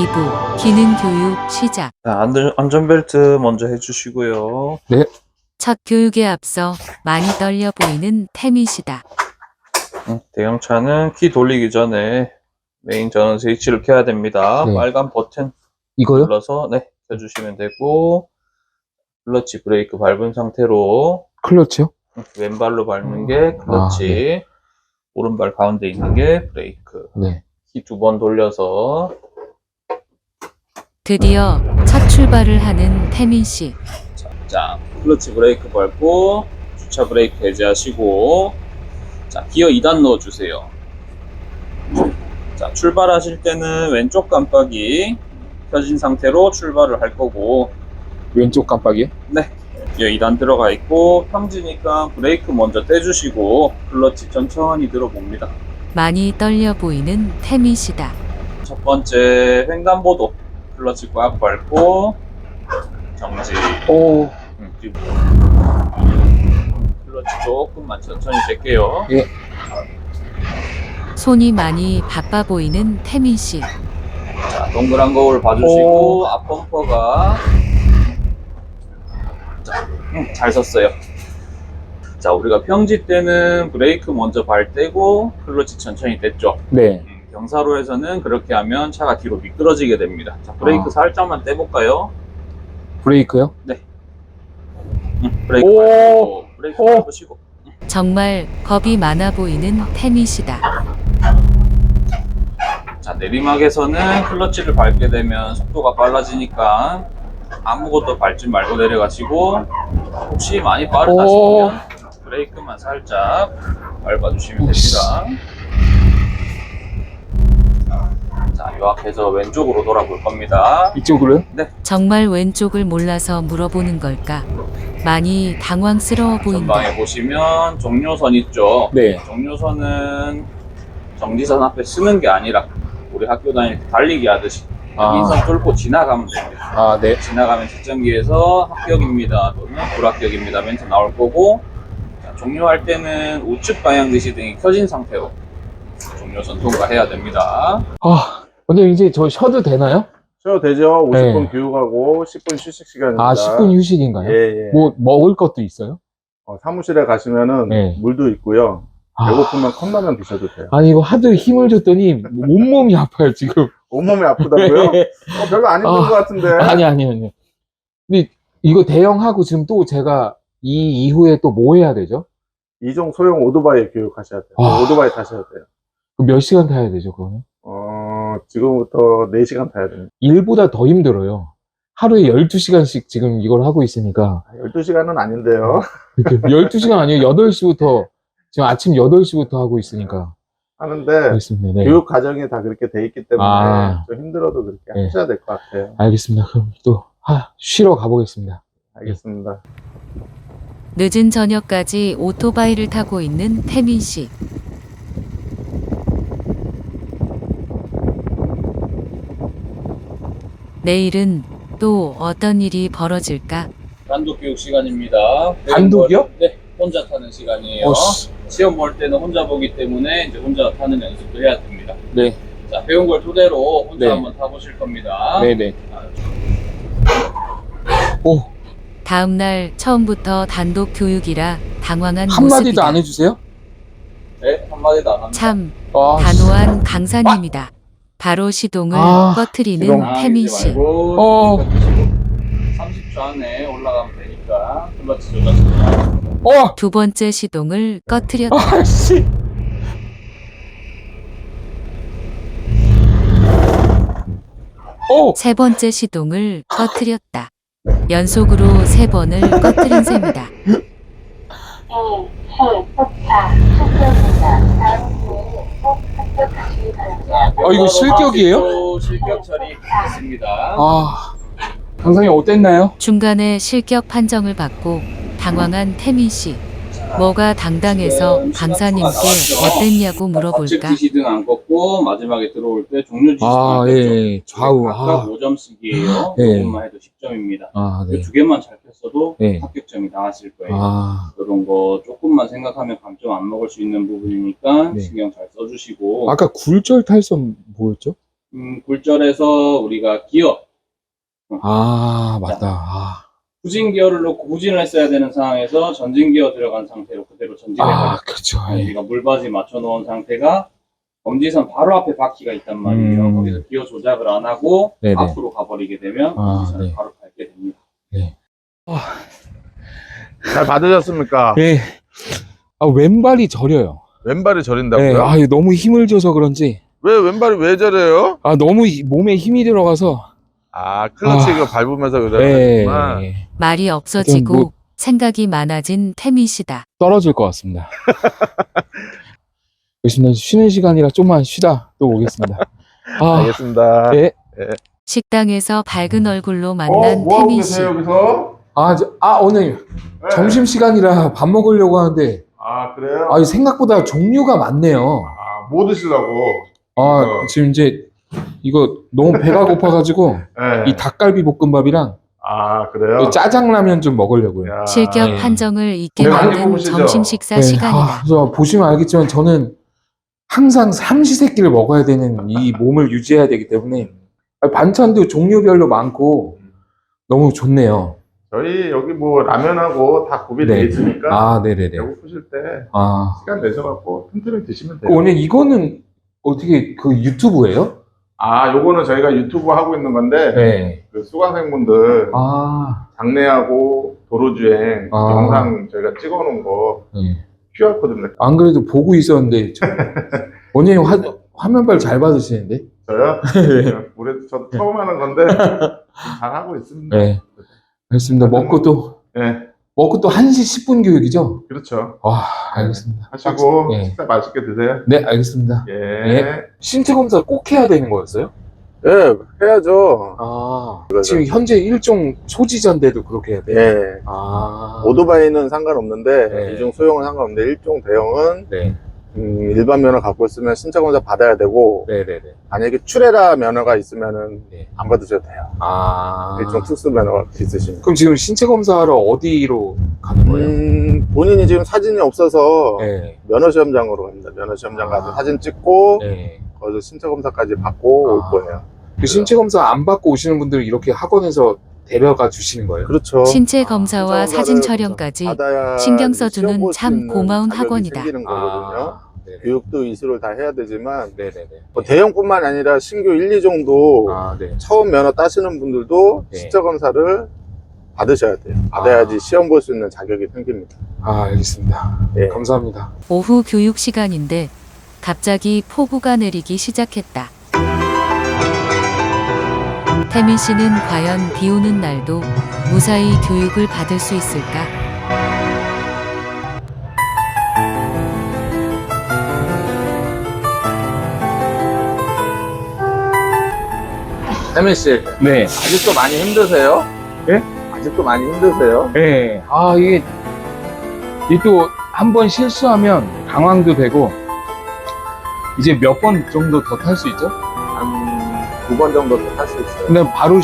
2부 기능 교육 시작. 자, 안전벨트 먼저 해주시고요. 네. 첫 교육에 앞서 많이 떨려 보이는 태민 씨다. 대형차는 키 돌리기 전에 메인 전원 스위치를 켜야 됩니다. 네. 빨간 버튼 이거요? 눌러서 켜주시면 되고, 클러치 브레이크 밟은 상태로 클러치요? 왼발로 밟는 게 클러치, 오른발 가운데 있는 게 브레이크. 네. 키 2번 돌려서 드디어 첫 출발을 하는 태민 씨. 자, 클러치 브레이크 밟고 주차 브레이크 해제하시고, 자, 기어 2단 넣어주세요. 자, 출발하실 때는 왼쪽 깜빡이 켜진 상태로 출발을 할 거고, 왼쪽 깜빡이요? 네, 기어 2단 들어가 있고, 평지니까 브레이크 먼저 떼주시고 클러치 천천히 들어봅니다. 많이 떨려 보이는 태민 씨다. 첫 번째 횡단보도 클러치 꽉 밟고 정지. 오. 그리고 클러치 조금만 천천히 뺄게요. 예. 손이 많이 바빠 보이는 태민 씨. 자, 동그란 거울 봐주시고 앞범퍼가 잘 섰어요. 자, 우리가 평지 때는 브레이크 먼저 발 떼고 클러치 천천히 뗐죠. 네. 경사로에서는 그렇게 하면 차가 뒤로 미끄러지게 됩니다. 자, 브레이크 살짝만 떼볼까요? 브레이크요? 브레이크 오. 밟고 브레이크 오. 밟으시고. 정말 겁이 많아 보이는 태민 씨다. 자, 내리막에서는 클러치를 밟게 되면 속도가 빨라지니까 아무것도 밟지 말고 내려가시고, 혹시 많이 빠르다 싶으면 브레이크만 살짝 밟아주시면 됩니다. 자, 요약해서 왼쪽으로 돌아볼 겁니다. 이쪽으로요? 네. 정말 왼쪽을 몰라서 물어보는 걸까? 많이 당황스러워 보인다. 전방에 보시면 종료선 있죠? 네. 종료선은 정지선 앞에 쓰는 게 아니라 우리 학교 다닐 때 달리기 하듯이 인선 뚫고 지나가면 됩니다. 아, 네. 지나가면 측정기에서 합격입니다 또는 불합격입니다 멘트 나올 거고, 자, 종료할 때는 우측 방향 지시등이 켜진 상태로 종료선 통과해야 됩니다. 아, 근데 이제 저 쉬어도 되나요? 쉬어도 되죠. 50분 네. 교육하고 10분 휴식 시간입니다. 아, 10분 휴식인가요? 예, 예. 뭐 먹을 것도 있어요? 사무실에 가시면은 네. 물도 있고요. 아. 배고프면 컵라면 드셔도 돼요. 아니 이거 하도 힘을 줬더니 온몸이 아파요 지금. 온몸이 아프다고요? 별로 안 힘든 것 같은데. 아니요. 근데 이거 대형하고 지금 또 제가 이 이후에 또 뭐 해야 되죠? 이종 소형 오토바이 교육하셔야 돼요. 아. 오토바이 타셔야 돼요. 그럼 몇 시간 타야 되죠 그거는? 지금부터 4시간 타야 됩니다. 일보다 더 힘들어요. 하루에 12시간씩 지금 이걸 하고 있으니까 12시간은 아닌데요. 12시간 아니에요. 8시부터 지금 아침 8시부터 하고 있으니까 하는데 알겠습니다. 네. 교육 과정이 다 그렇게 돼 있기 때문에 아. 좀 힘들어도 그렇게 네. 하셔야 될 것 같아요. 알겠습니다. 그럼 또 쉬러 가보겠습니다. 알겠습니다. 늦은 저녁까지 오토바이를 타고 있는 태민 씨. 내일은 또 어떤 일이 벌어질까? 단독 교육 시간입니다. 단독이요? 네, 혼자 타는 시간이에요. 씨. 시험 볼 때는 혼자 보기 때문에 이제 혼자 타는 연습도 해야 됩니다. 네. 자, 배운 걸 토대로 혼자 네. 한번 타보실 겁니다. 네네. 자, 오, 다음 날 처음부터 단독 교육이라 당황한 한마디도 모습이다. 안 해주세요? 네, 한마디도 안 합니다. 참 아, 단호한 강사님이다. 바로 시동을 아, 꺼트리는 시동. 태민 씨. 말고 30초 안에 올라가면 되니까 클러치 조절. 두 번째 시동을 꺼트렸다. 아씨. 오, 세 번째 시동을 꺼트렸다. 연속으로 3번을 꺼트린 셈이다. 이거 실격이에요? 실격 처리했습니다. 아, 강사님 어땠나요? 중간에 실격 판정을 받고 당황한 태민 씨. 뭐가 당당해서 강사님께 어땠냐고 물어볼까? 좌측 지시등 안 껐고 마지막에 들어올 때 종료 지시등 아, 안 껐죠. 예, 좌우. 각각 아, 5점씩이에요. 예. 이것만 해도 10점입니다. 아, 네. 두 개만 잘 폈어도 네. 합격점이 나왔을 거예요. 아, 그런 거 조금만 생각하면 감점 안 먹을 수 있는 부분이니까 네. 신경 잘 써주시고 아까 굴절 탈선 뭐였죠? 굴절해서 우리가 기어, 아, 맞다. 아, 후진 기어를 놓고 후진을 했어야 되는 상황에서 전진 기어 들어간 상태로 그대로 전진해버렸어요. 그렇죠. 예. 우리가 물바지 맞춰놓은 상태가 검지선 바로 앞에 바퀴가 있단 말이에요. 거기서 기어 조작을 안 하고 네네. 앞으로 가버리게 되면 검지선을 네. 바로 밟게 됩니다. 잘 받으셨습니까? 예. 아, 왼발이 저려요. 왼발이 저린다고요? 예. 아, 너무 힘을 줘서 그런지. 왜 왼발이 왜 저래요? 아, 너무 몸에 힘이 들어가서. 아, 클러치 이거 밟으면서 예. 그러는구나. 말이 없어지고 뭐- 생각이 많아진 태민 씨다. 떨어질 것 같습니다. 알겠습니다. 쉬는 시간이라 좀만 쉬다 또 오겠습니다. 아, 알겠습니다. 예. 식당에서 밝은 얼굴로 만난 태민 씨. 여기서? 오늘 점심 시간이라 밥 먹으려고 하는데, 아, 그래요? 생각보다 종류가 많네요. 아, 뭐 드시려고? 지금 이제 이거 너무 배가 고파가지고 네. 이 닭갈비 볶음밥이랑 아, 그래요? 짜장라면 좀 먹으려고요. 야. 실격 예. 판정을 잊게 많이 만든 뽑으시죠? 점심 식사 네, 시간이다. 그래서 보시면 알겠지만 저는 항상 삼시세끼를 먹어야 되는 이 몸을 유지해야 되기 때문에 반찬도 종류별로 많고 너무 좋네요. 저희 여기 뭐 라면하고 다 구비되어 네. 있으니까 네네네. 배고프실 때 아, 시간 내셔갖고 틈틈이 드시면 돼요. 오늘 이거는 어떻게 그 유튜브예요? 아, 요거는 저희가 유튜브 하고 있는 건데 네. 그 수강생분들 아, 장례하고 도로주행 아. 영상 저희가 찍어놓은 거 네. QR코드입니다. 안 그래도 보고 있었는데 원장님 화면발 잘 받으시는데? 저요? 네. 올해 저도 처음 하는 건데 잘 하고 있습니다. 네. 알겠습니다. 먹고 또 네, 1시 10분 교육이죠? 그렇죠. 와, 알겠습니다. 하시고 네. 식사 맛있게 드세요. 네, 알겠습니다. 예. 신체 검사 꼭 해야 되는 거였어요? 예, 해야죠. 아, 지금 현재 일종 소지자인데도 그렇게 해야 돼요? 예. 아, 오토바이는 상관없는데 네. 이중 소형은 상관없는데 일종 대형은 네, 일반 면허 갖고 있으면 신차 검사 받아야 되고 네네네. 만약에 출애라 면허가 있으면은 네. 안 받으셔도 돼요. 아, 일종 특수 면허가 있으시면. 그럼 지금 신체 검사하러 어디로 가는 거예요? 본인이 지금 사진이 없어서 네, 면허 시험장으로 갑니다. 면허 시험장 가서 사진 찍고 네. 거기서 신차 검사까지 받고 올 거예요. 그 신체 검사 안 받고 오시는 분들을 이렇게 학원에서 데려가 주시는 거예요? 그렇죠. 신체 검사와 신차 사진 검사를 촬영까지 받아야 신경 시험 써주는 볼수 참 있는 고마운 자격이 학원이다. 생기는 거거든요. 네네. 교육도 이수를 다 해야 되지만 네네네. 뭐 대형뿐만 아니라 신규 1, 2종도 네. 처음 면허 따시는 분들도 네. 신차 검사를 받으셔야 돼요. 받아야지 시험 볼 수 있는 자격이 생깁니다. 알겠습니다. 네. 감사합니다. 오후 교육 시간인데 갑자기 폭우가 내리기 시작했다. 태민 씨는 과연 비 오는 날도 무사히 교육을 받을 수 있을까? 태민 씨, 네. 아직도 많이 힘드세요? 예? 아직도 많이 힘드세요? 네. 이게 또 한 번 실수하면 당황도 되고, 이제 몇 번 정도 더 탈 수 있죠? 한 9번 정도 탈 수 있어요. 근데 바로